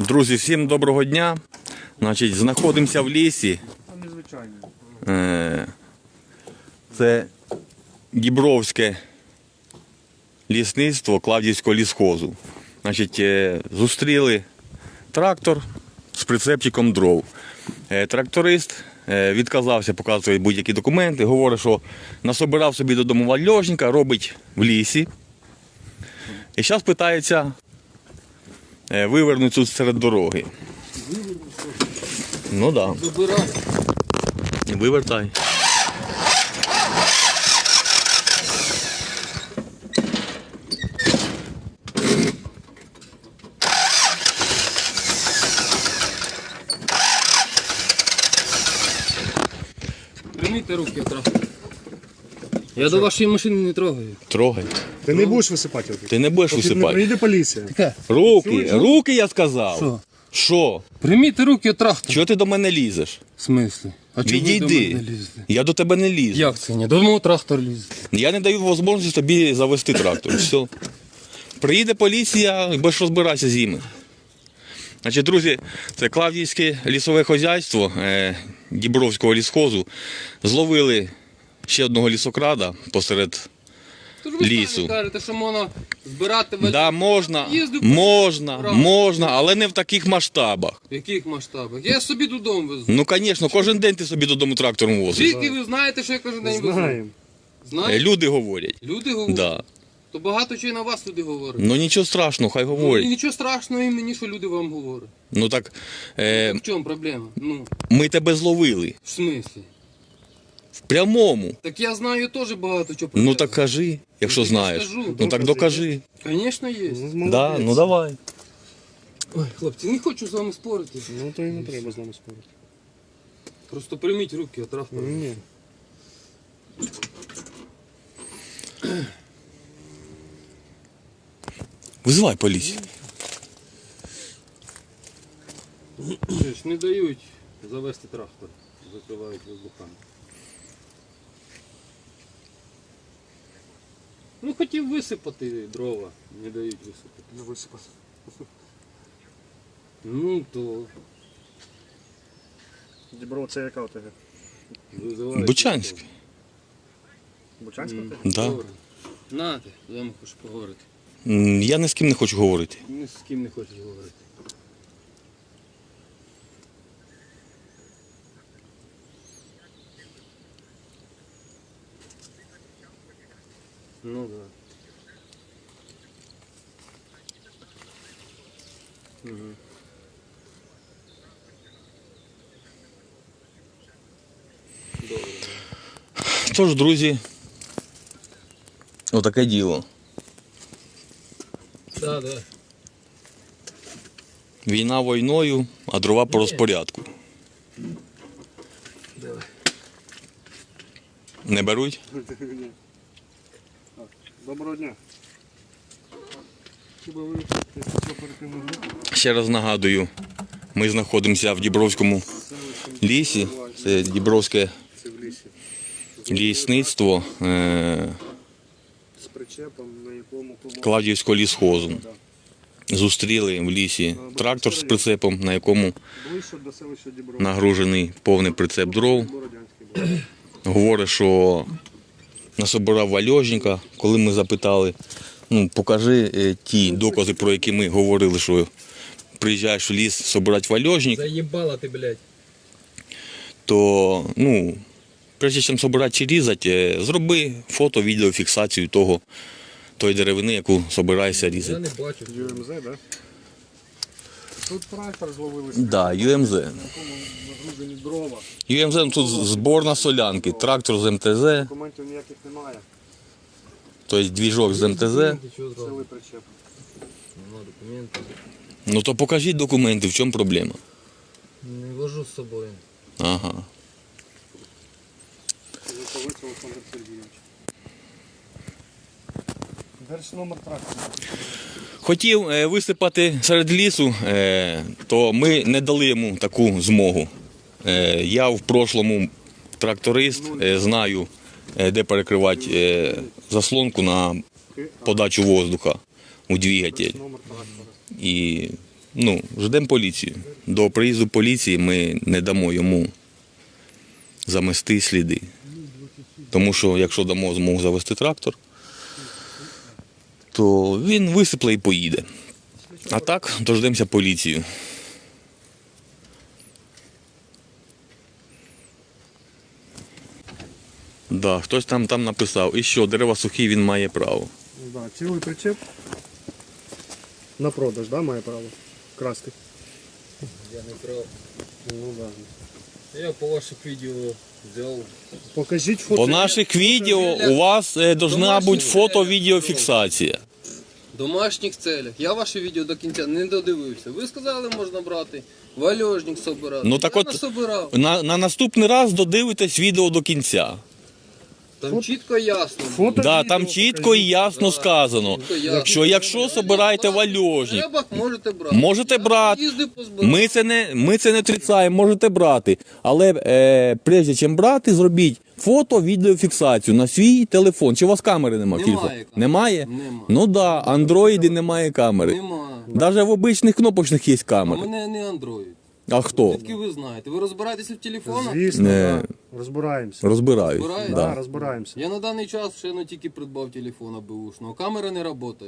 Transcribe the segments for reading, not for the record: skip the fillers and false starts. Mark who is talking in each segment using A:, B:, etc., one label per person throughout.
A: Друзі, всім доброго дня. Значить, знаходимося в лісі. Це Дібровське лісництво Клавдіївського лісхозу. Значить, зустріли трактор з прицепчиком дров. Тракторист відказався показувати будь-які документи, говорить, що насобирав собі додому вальожника, робить в лісі. І зараз питається вивернути тут серед дороги. Ну так.
B: Забирай.
A: Вивертай.
B: Прийміть руки одразу. Я до вашої машини не трогаю.
A: Трогай.
C: Ти не будеш висипати руки.
A: Ти не будеш
C: Поки не
A: висипати.
C: приїде поліція.
B: Таке.
A: Руки я сказав.
B: Що?
A: Що?
B: Прийміть руки від трактора.
A: Чого ти до мене лізеш?
B: В смислі? А чого ви до
A: Відійди.
B: мене лізете?
A: Я до тебе не лізу.
B: Як це ні? До мого трактор лізе.
A: Я не даю можливості тобі завести трактор. Все. Приїде поліція і будеш розбиратися з ними. Значить, друзі, це Клавдіївське лісове хозяйство Дібровського лісхозу. Зловили ще одного лісокрада посеред
B: Тож ви
A: лісу.
B: самі кажете, що можна збирати
A: Да, можна,
B: Їздив
A: можна, але не в таких масштабах.
B: В яких масштабах? Я собі додому везу.
A: Ну, звісно, кожен день ти собі додому трактором возиш.
B: Звідки ви знаєте, що я кожен день везу?
C: Знаємо.
B: Знаєте?
A: Люди говорять.
B: Люди говорять?
A: Да.
B: То багато чого і на вас люди говорять.
A: Ну нічого страшного, хай
B: Ну, і
A: говорять.
B: нічого страшного і мені, що люди вам говорять.
A: Ну так,
B: В чому проблема? Ну,
A: ми тебе зловили.
B: в смислі?
A: В прямому.
B: Так я знаю теж багато чого про
A: Ну
B: це.
A: так кажи, якщо
B: Ну, так
A: знаєш.
B: скажу.
A: Ну так докажи.
B: Звісно, є.
A: Да, ну давай.
B: Ой, хлопці, не хочу з вами спорити.
C: Ну то і не треба з нами спорити.
B: Просто прийміть руки від трактора.
C: Ні.
A: Визивай поліцію.
B: Не дають завести трактор. Закривають воздухами. Ну хотів висипати дрова, не дають висипати.
C: Не висипати.
B: Ну то
C: Діброво, це яка у тебе?
B: визивають.
A: Бучанськ.
C: Бучанська ти?
A: Да.
B: Добре. Нате, з вами хочу поговорити.
A: Я ні з ким не хочу говорити.
B: Ні з ким не хочеш говорити. Ну да. Угу. Добре.
A: Тож, друзі, отаке діло.
B: Да, да.
A: Війна війною, а дрова по розпорядку.
B: Давай.
A: Не беруть?
C: Ні. Доброго дня. Хіба ви що перекинули руку?
A: Ще раз нагадую, ми знаходимося в Дібровському лісі. Це Дібровське
C: Це в лісі.
A: лісництво
C: З причепом, на якому
A: Клавдіївського лісхозу. Зустріли в лісі трактор з прицепом, на якому
C: ближче до селища Діброво.
A: нагружений повний прицеп дров.
C: Бородянський був.
A: Говорить, що насобирав вальожника. Коли ми запитали, ну покажи ті докази, про які ми говорили, що приїжджаєш в ліс собирати вальожник,
B: Заїбала ти, блядь.
A: то, ну, прежде чим собирати чи різати, зроби фото, відеофіксацію тої деревини, яку собираєшся
B: Я
A: різати.
B: не бачу.
C: ЮМЗ, так? Тут трактор зловилися.
A: Да, ЮМЗ.
C: На якому нагружені дрова.
A: ЮМЗ, ну, тут збор на солянки, трактор з МТЗ,
C: Документів ніяких немає.
A: тобто двіжок з МТЗ.
B: Ти чого зробив?
C: Цілий причеп.
B: Нема документів.
A: Ну то покажіть документи, в чому проблема?
B: Не вожу з собою.
A: Ага.
C: Житовець Олександр Сергійович. Держномер трактора.
A: Хотів висипати серед лісу, то ми не дали йому таку змогу. Я в прошлому тракторист, знаю, де перекривати заслонку на подачу воздуха у двигатель.
C: Номер трактора.
A: І ждемо поліцію. До приїзду поліції ми не дамо йому замести сліди. Тому що якщо дамо змогу завести трактор, то він висипле і поїде. А так, дождемося поліцію. Да, хтось там написав, і що, дерева сухі, він має право.
C: Да, цілий причеп. На продаж, да, має право красти?
B: Я не прав.
C: Ну да.
B: Я по ваших відео взяв.
C: Покажіть фото.
A: По наших відео у вас должна бути фото-відеофіксація.
B: В домашніх целях. Я ваше відео до кінця не додивився. Ви сказали, можна брати. Вальожник собирати.
A: Ну так
B: Я
A: от
B: насобирав.
A: на наступний раз додивитесь відео до кінця.
B: Там чітко ясно.
C: Фото.
A: Да,
C: відео
A: там чітко і ясно сказано,
B: Чітко ясно.
A: що якщо собираєте вальожник,
B: Треба, можете брати.
A: можете
B: Я
A: брати.
B: їздив позбирав.
A: Ми це не отрицаємо, можете брати. Але прежде чим брати, зробіть фото, відеофіксацію на свій телефон. Чи у вас камери немає?
B: Немає
A: Телефон?
B: камери.
A: Немає?
B: Нема.
A: Ну так, да, андроїді немає камери.
B: Нема.
A: Навіть в обичних кнопочних є
B: У
A: камери.
B: мене не Android.
A: А хто?
B: Звідки ви знаєте? Ви розбираєтеся в телефонах?
C: Звісно,
A: Не.
C: да. Розбираємося.
A: Розбирають.
B: Розбирають?
C: Да,
A: Да.
C: розбираємося.
B: Я на даний час ще тільки придбав телефона беушного. Камера не працює.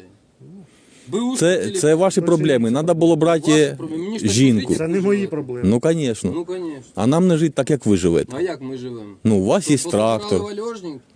A: Це ваші проблеми. Треба було брати жінку.
C: Це не мої проблеми.
A: Ну, звісно.
B: Ну, звісно.
A: А нам не жити так, як ви живете.
B: А як ми живемо?
A: Ну, у вас є
B: Позабирали
A: трактор.
B: вальожник,